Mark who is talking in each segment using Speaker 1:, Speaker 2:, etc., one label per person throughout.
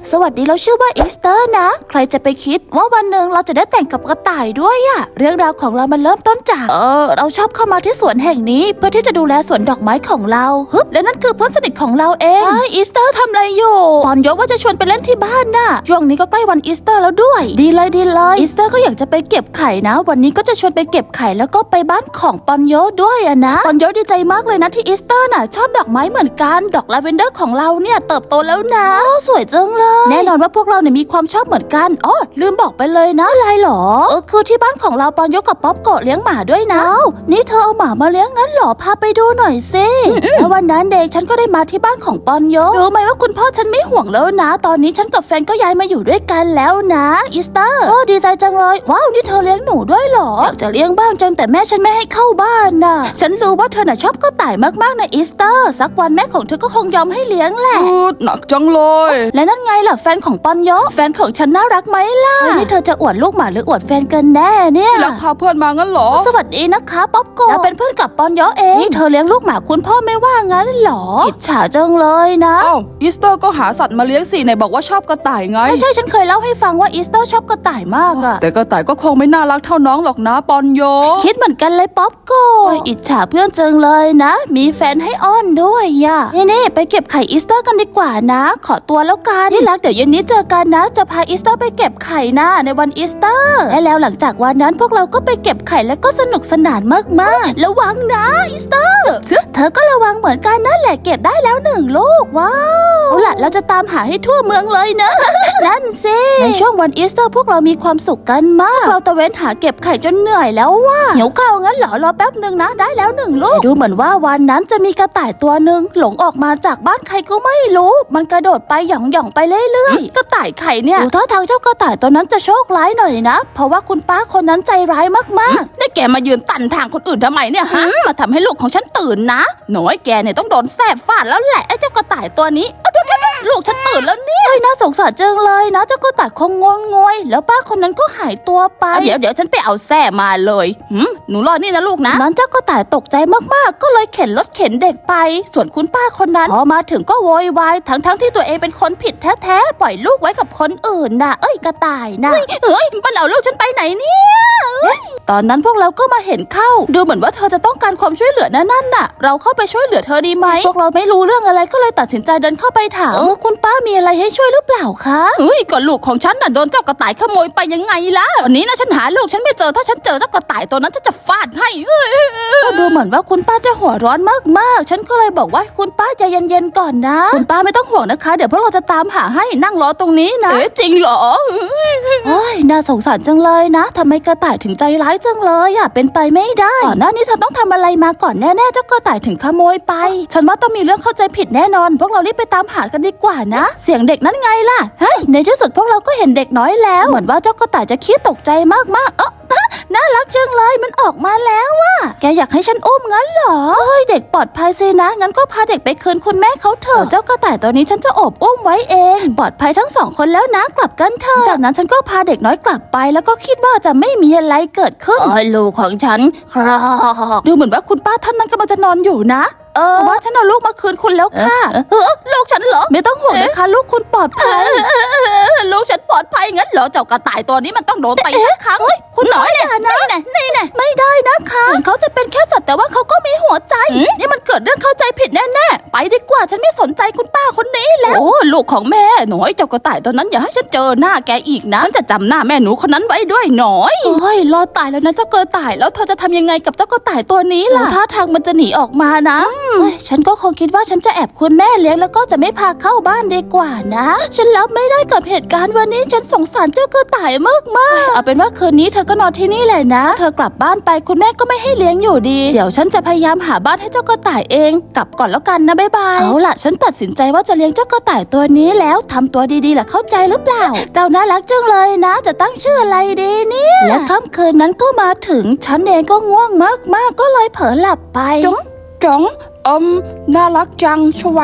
Speaker 1: สวัสดีเราชื่อว่าอีสเตอร์นะใครจะไปคิดว่าวันหนึ่งเราจะได้แต่งกับกระต่ายด้วยอะเรื่องราวของเรามันเริ่มต้นจากเราชอบเข้ามาที่สวนแห่งนี้เพื่อที่จะดูแลสวนดอกไม้ของเราฮึบและนั่นคือเพื่อนสนิทของเราเองอีสเตอร์ทำอะไรอยู่ปอนยกว่าจะชวนไปเล่นที่บ้านน่ะช่วงนี้ก็ใกล้วันอีสเตอร์แล้วด้วยดีเลยอีสเตอร์ก็อยากจะไปเก็บไข่นะวันนี้ก็จะชวนไปเก็บไข่แล้วก็ไปบ้านของปอนโยด้วยอะนะปอนโยดีใจมากเลยนะที่อีสเตอร์น่ะชอบดอกไม้เหมือนกันดอกลาเวนเดอร์ของเราเนี่ยเติบโตแล้วนะสวยจังเลยแน่นอนว่าพวกเราเนี่ยมีความชอบเหมือนกันอ๋อลืมบอกไปเลยนะอะไรหรอคือที่บ้านของเราปอนโยกับป๊อปโกะเลี้ยงหมาด้วยนะนี่เธอเอาหมามาเลี้ยงงั้นหรอพาไปดูหน่อยสิแล้ววันนั้นเด็กฉันก็ได้มาที่บ้านของปอนโยรู้ไหมว่าคุณพ่อฉันไม่ห่วงแล้วนะตอนนี้ฉันกับแฟนก็ย้ายมาอยู่ด้วยกันแล้วนะอีสเตอร์ดีใจจังเลยว้าวนี่เธอเลี้ยงหนูด้วยหรออยากจะเลี้ยงบ้างจังแต่แม่ฉันไม่ให้เข้าบ้านน่ะฉันรู้ว่าเธอน่ะชอบกระต่ายมากๆนะอีสเตอร์สักวันแม่ของเธอก็คงยอมให้เลี้ยงแหละ
Speaker 2: หนักจังเลย
Speaker 1: และนั่นไงล่ะแฟนของปอนโยแฟนของฉันน่ารักไหมล่ะนี่เธอจะอวดลูกหมาหรืออวดแฟนกันแน่เนี่ย
Speaker 2: แล้วพาเพื่อนมางั้นเหรอ
Speaker 1: สวัสดีนะคะป๊อปโกะเราเป็นเพื่อนกับปอนโยเองนี่เธอเลี้ยงลูกหมาคุณพ่อไม่ว่างั้นหรออิจฉาจังเลยนะ
Speaker 2: อ้าวอีสเตอร์ก็หาสัตว์มาเลี้ยงสิไหนบอกว่าชอบกระต่ายไง
Speaker 1: ใช่ฉันเคยเล่าให้ฟังว่าอีสเตอร์ชอบกระต่ายมากอะ
Speaker 2: แต่กระต่ายก็คงไม่น่ารักเท่าน้องหรอกนะปอนโย
Speaker 1: คิดเหมือนกันเลยป๊อปโกะอิจฉาเพื่อนจังเลยนะมีแฟนให้อ้อนด้วยอะนี่ไปเก็บไข่อีสเตอร์กันดีกว่านะขอตัวแล้วกันที่รักเดี๋ยวเย็นนี้เจอกันนะจะพาอีสเตอร์ไปเก็บไข่นะในวันอีสเตอร์และแล้วหลังจากวันนั้นพวกเราก็ไปเก็บไข่แล้วก็สนุกสนานมากๆระวังนะอีสเตอร์เธอก็ระวังเหมือนกันนั่นแหละเก็บได้แล้ว1 ลูกว้าวเอาล่ะเราจะตามหาให้ทั่วเมืองเลยนะ นั่นสิในช่วงวันอีสเตอร์พวกเรามีความสุขกันมากเราตะเวนหาเก็บไข่จนเหนื่อยแล้วว่าเหี่ยวข้าวงั้นเหรอรอแป๊บนึงนะได้แล้ว1 ลูกดูเหมือนว่าวันนั้นจะมีกระต่ายตัวหนึ่งหลงออกมาจากบ้านใครก็ไม่รู้มันกระโดดไปหย่องไปเรื่อยๆกระต่ายไข่เนี่ยดูท่าทางเจ้ากระต่ายตัวนั้นจะโชคร้ายหน่อยนะเพราะว่าคุณป้าคนนั้นใจร้ายมากๆ
Speaker 2: นี่แกมายืนตันทางคนอื่นทำไมเนี่ยฮะ
Speaker 1: มาทำให้ลูกของฉันตื่นนะ
Speaker 2: หน่อยแกเนี่ยต้องโดนแสบฟาดแล้วแหละ
Speaker 1: ไอ้เจ้ากระต่ายตัวนี้ลูกฉันตื่นแล้วเนี่ยน่าสงสารจังเลยนะเจ้ากระต่ายคงงอนงวยแล้วป้าคนนั้นก็หายตัวไป
Speaker 2: เดี๋ยวฉันไปเอาแส้มาเลยหนูรอนี่นะลูกนะ
Speaker 1: นั้นเจ้ากระต่ายตกใจมากๆก็เลยเข็นรถเข็นเด็กไปส่วนคุณป้าคนนั้นพอมาถึงก็โวยวายทั้งที่ตัวเองเป็นคนผิดแท้ๆปล่อยลูกไว้กับคนอื่นน่ะกระต่ายน่ะ
Speaker 2: เฮ้ยมันเอาลูกฉันไปไหนเนี่ย
Speaker 1: ตอนนั้นพวกเราก็มาเห็นเข้าดูเหมือนว่าเธอจะต้องการความช่วยเหลือนั่นน่ะเราเข้าไปช่วยเหลือเธอดีไหมพวกเราไม่รู้เรื่องอะไรก็เลยตัดสินใจเดินเข้าไปถามคุณป้ามีอะไรให้ช่วยหรือเปล่าคะ
Speaker 2: ก็ลูกของฉันน่ะโดนเจ้ากระต่ายขโมยไปยังไงล่ะวันนี้นะฉันหาลูกฉันไม่เจอถ้าฉันเจอเจ้ากระต่ายตัวนั้นฉันจะฟาดให้
Speaker 1: ก็ดูเหมือนว่าคุณป้าจะหัวร้อนมากๆฉันก็เลยบอกว่าคุณป้าใจเย็นๆก่อนนะคุณป้าไม่ต้องห่วงนะคะเดี๋ยวพวกเราจะตามหาให้นั่งรอตรงนี้นะ
Speaker 2: จริงเหรอ
Speaker 1: น่าสงสารจังเลยนะทำไมกระต่ายถึงใจร้ายจังเลยเป็นไปไม่ได้ก่อนหน้านี้เธอต้องทำอะไรมาก่อนแน่ๆเจ้ากระต่ายถึงขโมยไปฉันว่าต้องมีเรื่องเข้าใจผิดแน่นอนพวกเรารีบไปตามหากันดีกว่านะเสียงเด็กนั้นไงล่ะในที่สุดพวกเราก็เห็นเด็กน้อยแล้วเหมือนว่าเจ้ากระต่ายจะขี้ตกใจมากๆน่ารักจังเลยมันออกมาแล้วว่ะแกอยากให้ฉันอุ้มงั้นเหรอเด็กปลอดภัยสินะงั้นก็พาเด็กไปคืนคุณแม่เขาเถอะเจ้ากระต่ายตัวนี้ฉันจะโอบอุ้มไว้เองปลอดภัยทั้ง2 คนแล้วนะกลับกันเถอะจากนั้นฉันก็พาเด็กน้อยกลับไปแล้วก็คิดว่าจะไม่มีอะไรเกิดขึ้น
Speaker 2: ลูกของฉันครับ
Speaker 1: ดูเหมือนว่าคุณป้าท่านนั้นกำลังจะนอนอยู่นะว่าฉันเอาลูกมาคืนคุณแล้วค่ะ
Speaker 2: ลูกฉันเหรอ
Speaker 1: ไม่ต้องห่วงนะคะลูกคุณปลอดภัย
Speaker 2: ลูกฉันปลอดภัยงั้นเหรอเจ้ากระต่ายตัวนี้มันต้องโดนตีสักครั้ง
Speaker 1: คุณน้อยเนี่ยนี่ไม่ได้นะคะถึงเขาจะเป็นแค่สัตว์แต่ว่าเขาก็มีหัวใจนี่มันเกิดเรื่องเข้าใจผิดแน่ๆไปดีกว่าฉันไม่สนใจคุณป้าคนนี้แล้ว
Speaker 2: ลูกของแม่หน่อยเจ้ากระต่ายตัวนั้นอย่าให้ฉันเจอหน้าแกอีกนะฉันจะจำหน้าแม่หนูคนนั้นไว้ด้วยหน่อย
Speaker 1: รอตายแล้วนะเจ้ากระต่ายแล้วเธอจะทำยังไงกับเจ้ากระต่ายตัวนี้ล่ะท่าทางมันจะหนีออกมานะฉันก็คงคิดว่าฉันจะแอบคุณแม่เลี้ยงแล้วก็จะไม่พาเข้าบ้านดีกว่านะฉันรับไม่ได้กับเหตุการณ์วันนี้ฉันสงสารเจ้ากระต่ายมากเอาเป็นว่าคืนนี้เธอก็นอนที่นี่แหละนะเธอกลับบ้านไปคุณแม่ก็ไม่ให้เลี้ยงอยู่ดีเดี๋ยวฉันจะพยายามหาบ้านให้เจ้ากระต่ายเองกลับก่อนแล้วกันนะบ๊ายบายเอาล่ะฉันตัดสินใจว่าจะเลี้ยงเจ้ากระต่ายตัวนี้แล้วทำตัวดีๆล่ะเข้าใจหรือเปล่าเจ้าน่ารักจังเลยนะจะตั้งชื่ออะไรดีเนี่ยและค่ำคืนนั้นก็มาถึงฉันเองก็ง่วงมากๆก็เลยเผลอหลับไป
Speaker 2: จ๋องน่ารักจังชวะ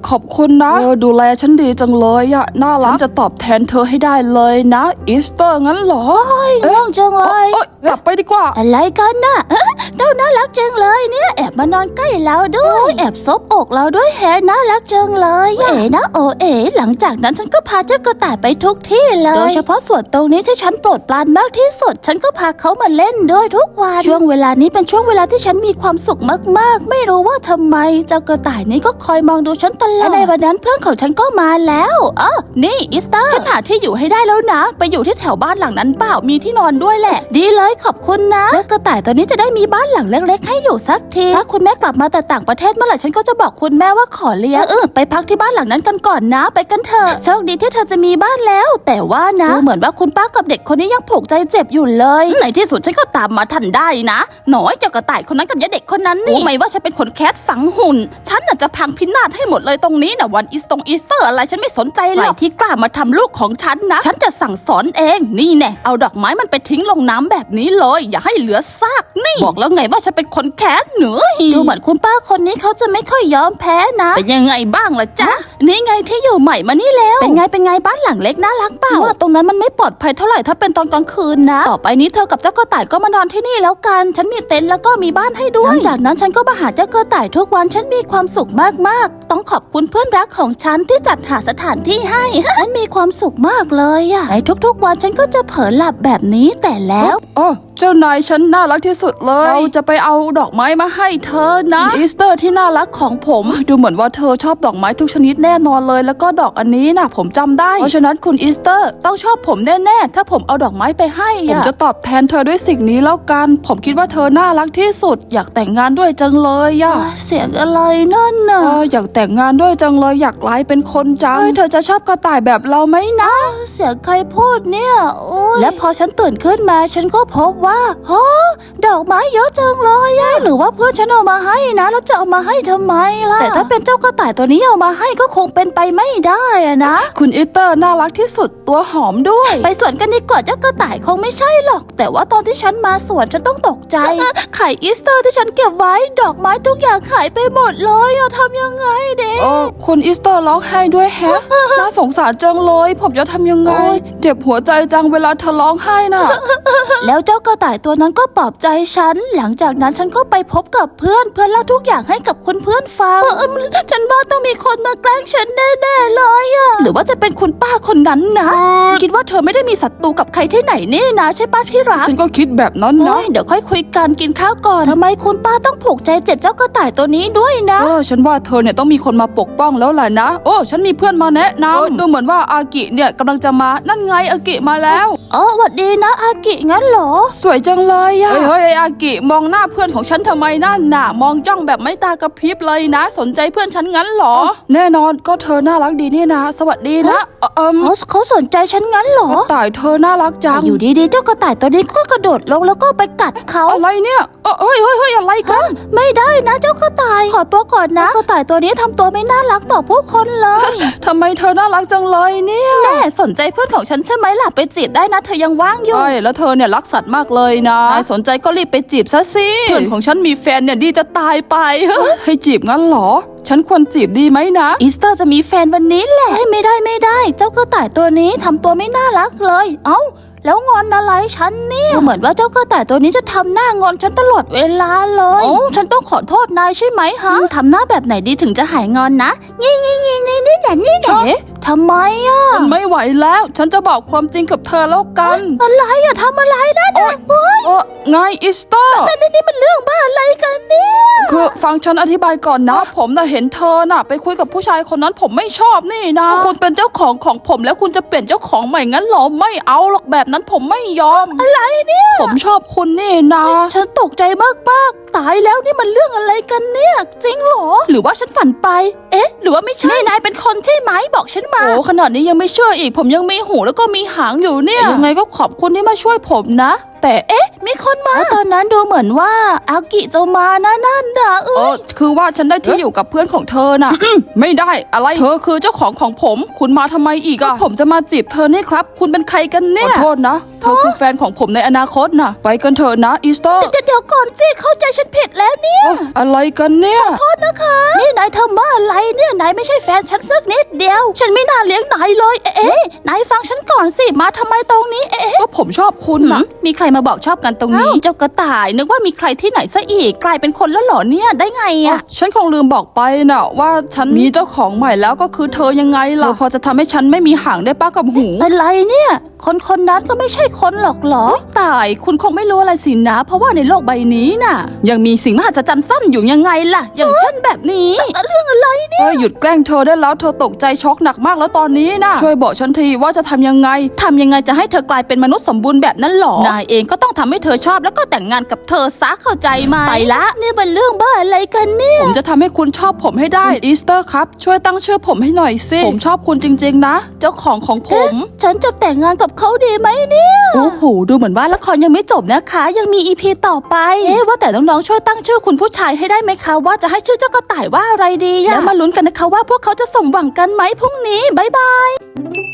Speaker 2: ขอบคุณนะดูแลฉันดีจังเลยอะน่ารักฉันจะตอบแทนเธอให้ได้เลยนะอีสเตอร์งั้นเหรอ
Speaker 1: ง่วงจังเลย
Speaker 2: กลับไปดีกว่า
Speaker 1: อะไรกันน่ะเจ้าน่ารักจังเลยเนี่ยแอบมานอนใกล้เราด้วยแอบซบอกเราด้วยแฮน่ารักจังเลยเอ๋นะโอเอ๋หลังจากนั้นฉันก็พาเจ้ากระต่ายไปทุกที่เลยโดยเฉพาะส่วนตรงนี้ที่ฉันโปรดปรานมากที่สุดฉันก็พาเขามาเล่นด้วยทุกวันช่วงเวลานี้เป็นช่วงเวลาที่ฉันมีความสุขมากๆไม่รู้ว่าทำไมเจ้ากระต่ายนี้ก็คอยมองดูฉันตลอดและในวันนั้นเพื่อนของฉันก็มาแล้วนี่อีสเตอร์ฉันหาที่อยู่ให้ได้แล้วนะไปอยู่ที่แถวบ้านหลังนั้นเปล่ามีที่นอนด้วยแหละดีเลยขอบคุณนะเจ้ากระต่ายตัวนี้จะได้มีบ้านหลังเล็กๆให้อยู่สักทีถ้าคุณแม่กลับมาแต่ต่างประเทศเมื่อไหร่ฉันก็จะบอกคุณแม่ว่าขอเลี้ยงไปพักที่บ้านหลังนั้นกันก่อนนะไปกันเถอะโชคดีที่เธอจะมีบ้านแล้วแต่ว่านะดูเหมือนว่าคุณป้ากับเด็กคนนี้ยังผูกใจเจ็บอยู่เลยในที่สุดฉันก็ตามมาทันได้นะหน่อยเจ้ากระต่ายคนนั้นกับยายเด็กคนนั้นนี่รู้ไหมว่าฉันเป็นคนแคสฝังหุ่นฉันน่ะจะพังพินาศให้หมดเลยตรงนี้นะวันอีสเตอร์อะไรฉันไม่สนใจหรอกที่กล้ามาทำลูกของฉันนะฉันจะสั่งสอนเองนี่แน่เอาดอกไม้มันไปทิ้งลงน้ำแบบนี้เลยอย่าให้เหลือซากนี่บอกแล้วไงว่าฉันเป็นคนแคสเหนือดูเหมือนคุณป้าคนนี้เขาจะไม่ค่อยยอมแพ้นะเป็นยังไงบ้างล่ะจ๊ะนี่ไงที่อยู่ใหม่มานี่แล้วเป็นไงบ้านหลังเล็กน่ารักเปล่าว่าตรงนั้นมันไม่ปลอดภัยเท่าไหร่ถ้าเป็นตอนกลางคืนนะต่อไปนี้เธอกับเจ้ากระต่ายก็มานอนที่นี่แล้วกันฉันมีเต็นท์แล้วก็มีบ้านให้ด้วยหลังจากนั้นฉันก็มาหาเจ้ากระต่ายทุกวันฉันมีความสุขมากๆต้องขอบคุณเพื่อนรักของฉันที่จัดหาสถานที่ให้ ฉันมีความสุขมากเลยอะในทุกๆวันฉันก็จะเผลอหลับแบบนี้แต่แล้ว
Speaker 2: เจ้านายฉันน่ารักที่สุดเลยเราจะไปเอาดอกไม้มาให้เธอนะอีสเตอร์ที่น่ารักของผมดูเหมือนว่าเธอชอบดอกไม้ทุกชนิดแน่นอนเลยแล้วก็ดอกอันนี้นะผมจำได้เพราะฉะนั้นคุณอีสเตอร์ต้องชอบผมแน่ๆถ้าผมเอาดอกไม้ไปให้ผมจะตอบแทนเธอด้วยสิ่งนี้แล้วกันผมคิดว่าเธอน่ารักที่สุดอยากแต่งงานด้วยจังเลยอะ
Speaker 1: เสียงอะไรนั่นน่ะ
Speaker 2: อยากแต่งงานด้วยจังเลยอยากกลายเป็นคนจังเธอจะชอบกระต่ายแบบเราไหมนะ
Speaker 1: เสียงใครพูดเนี่ยและพอฉันตื่นขึ้นมาฉันก็พบว่าดอกไม้เยอะจังเลยหรือว่าเพื่อนฉันเอามาให้นะแล้วจะเอามาให้ทำไมล่ะแต่ถ้าเป็นเจ้ากระต่ายตัวนี้เอามาให้ก็คงเป็นไปไม่ได้นะ
Speaker 2: คุณอีสเตอร์น่ารักที่สุดตัวหอมด้วย
Speaker 1: ไปสวนกันดีกว่าเจ้ากระต่ายคงไม่ใช่หรอกแต่ว่าตอนที่ฉันมาสวนฉันต้องตกใจไข่อีสเตอร์ที่ฉันเก็บไว้ดอกไม้ทุกอย่างหายไปหมดเลยทำยังไงเด็ก
Speaker 2: คุณอีสเตอร์ร้องไห้ด้วยแฮะ น่าสงสารจังเลยผมจะทำยังไงเจ็บหัวใจจังเวลาเธอร้องไห้น่ะ
Speaker 1: แล้วเจ้ากระต่ายตัวนั้นก็ปลอบใจฉันหลังจากนั้นฉันก็ไปพบกับเพื่อนเล่าทุกอย่างให้กับคุณเพื่อนฟังฉันว่าต้องมีคนมาแกล้งฉันแน่ๆเลยหรือว่าจะเป็นคุณป้าคนนั้นนะคิดว่าเธอไม่ได้มีศัตรูกับใครที่ไหนนี่นะใช่ป้าที่รัก
Speaker 2: ฉันก็คิดแบบนั้นนะ
Speaker 1: เดี๋ยวค่อยคุยกันกินข้าวก่อนทำไมคุณป้าต้องผูกใจเจ็บเจ้ากระต่ายตัวนี้ด้วยนะ
Speaker 2: ฉันว่าเธอเนี่ยต้องมีคนมาปกป้องแล้วแหละนะฉันมีเพื่อนมาแนะนำดูเหมือนว่าอากิเนี่ยกำลังจะมานั่นไงอากิมาแล้ว
Speaker 1: สวัสดีนะอากิงั้นเหรอ
Speaker 2: สวยจังเลยเฮ้ยอากิมองหน้าเพื่อนของฉันทำไมนั่นน่ะมองจ้องแบบไม่ตากระพริบเลยนะสนใจเพื่อนฉันงั้นเหรอแน่นอนก็เธอน่ารักดีนี่นะสวัสดีนะ
Speaker 1: เขาสนใจฉันงั้นเหรอก
Speaker 2: ระต่ายเธอน่ารักจัง
Speaker 1: อยู่ดีๆเจ้ากระต่ายตัวนี้ก็กระโดดลงแล้วก็ไปกัดเขา
Speaker 2: อะไรเนี่ยเฮ้ยอะไรกัน
Speaker 1: ไม่ได้นะเจ้ากระต่ายขอตัวก่อนนะกระต่ายตัวนี้ทำตัวไม่น่ารักต่อผู้คนเลย
Speaker 2: ทำไมเธอน่ารักจังเลยเนี่ย
Speaker 1: แน่สนใจเพื่อนของฉันใช่ไหมล่ะไปจีบได้นะเธอยังว่างอยู่
Speaker 2: ใช่แล้วเธอเนี่ยรักสัตว์มากเลยนะสนใจก็รีบไปจีบซะสิเพื่อนของฉันมีแฟนเนี่ยดีจะตายไปให้จีบงั้นเหรอฉันควรจีบดีไหมนะ
Speaker 1: อีสเตอร์จะมีแฟนวันนี้แหละไม่ได้เจ้ากระต่ายตัวนี้ทำตัวไม่น่ารักเลยแล้วงอนอะไรฉันเนี่ยเหมือนว่าเจ้ากระต่ายตัวนี้จะทำหน้างอนฉันตลอดเวลาเลยฉันต้องขอโทษนายใช่ไหมฮะทำหน้าแบบไหนดีถึงจะหายงอนนะนี่ทำไม
Speaker 2: ฉันไม่ไหวแล้วฉันจะบอกความจริงกับเธอแล้วกัน
Speaker 1: อะไรทำอะไรนั่น
Speaker 2: ไงอีสเตอร์
Speaker 1: นี่มันเรื่องบ้าอะไรกันเนี่ย
Speaker 2: คือฟังฉันอธิบายก่อนนะผมน่ะเห็นเธอน่ะไปคุยกับผู้ชายคนนั้นผมไม่ชอบนี่นะคุณเป็นเจ้าของผมแล้วคุณจะเปลี่ยนเจ้าของใหม่งั้นหรอไม่เอาหรอกแบบนั้นผมไม่ยอม
Speaker 1: อะไรเนี่ย
Speaker 2: ผมชอบคุณนี่นะ
Speaker 1: ฉันตกใจมากตายแล้วนี่มันเรื่องอะไรกันเนี่ยจริงเหรอหรือว่าฉันฝันไปหรือว่าไม่ใช่นายเป็นคนใช่ไหมบอกฉันมา
Speaker 2: ขนาดนี้ยังไม่เชื่ออีกผมยังมีหูแล้วก็มีหางอยู่เนี่ย
Speaker 1: ยังไงก็ขอบคุณที่มาช่วยผมนะ
Speaker 2: แต่เอ๊ะ
Speaker 1: มีคนมาตอนนั้นดูเหมือนว่าอากิจะมานะนั่นนะ
Speaker 2: คือว่าฉันได้ที่อยู่กับเพื่อนของเธอน่ะ ไม่ได้อะไรเธอคือเจ้าของผม คุณมาทำไมอีกอะผมจะมาจีบเธอนี่ครับ คุณเป็นใครกันเนี่ยขอโทษนะเธอคือแฟนของผมในอนาคตน่ะ ไปกันเถอะนะอีสเตอร์
Speaker 1: เดี๋ยวก่อนสิเข้าใจฉันผิดแล้วเนี่ย
Speaker 2: อะไรกันเนี่ย
Speaker 1: โทษนะคะนี่นายทำบ้าอะไรเนี่ยนายไม่ใช่แฟนฉันสักนิดเดียวฉันไม่น่าเลี้ยงนายเลยนายฟังฉันก่อนสิมาทำไมตรงนี้
Speaker 2: ก็ผมชอบคุณนะ
Speaker 1: มีใครมาบอกชอบกันตรงนี้เจ้ากระต่ายนึกว่ามีใครที่ไหนซะอีกกลายเป็นคนแล้วเหรอเนี่ยได้ไงอะ
Speaker 2: ฉันคงลืมบอกไปน่ะว่าฉันมีเจ้าของใหม่แล้วก็คือเธอยังไงล่ะเธอพอจะทำให้ฉันไม่มีหางได้ป้ากับหู
Speaker 1: อะไรเนี่ยคนนั้นก็ไม่ใช่คนหรอกเหรอ
Speaker 2: ตายคุณคงไม่รู้อะไรสินะเพราะว่าในโลกใบนี้น่ะยังมีสิ่งมหัศจรรย์ซ่อนอยู่ยังไงล่ะอย่างเช่นแบบนี้
Speaker 1: เรื่องอะไรเนี่ย
Speaker 2: หยุดแกล้งเธอได้แล้วเธอตกใจช็อกหนักมากแล้วตอนนี้น่ะช่วยบอกฉันทีว่าจะทำยังไงจะให้เธอกลายเป็นมนุษย์สมบูรณ์แบบนั้นหรอนายเองก็ต้องทำให้เธอชอบแล้วก็แต่งงานกับเธอซะเข้าใจไหม
Speaker 1: ไปละนี่มันเรื่องบ้าอะไรกันเนี่ย
Speaker 2: ผมจะทำให้คุณชอบผมให้ได้อีสเตอร์ครับช่วยตั้งชื่อผมให้หน่อยสิผมชอบคุณจริงๆนะเจ้าของผม
Speaker 1: ฉันจะแต่งงานกับเขาดีไหมเนี่ย
Speaker 2: โอ้โหดูเหมือนว่าละครยังไม่จบนะคะยังมี EP ต่อไปว่าแต่น้องๆช่วยตั้งชื่อคุณผู้ชายให้ได้ไหมคะว่าจะให้ชื่อเจ้ากระต่ายว่าอะไรดีแล้วมาลุ้นกันนะคะว่าพวกเขาจะสมหวังกันไหมพรุ่งนี้บ๊ายบาย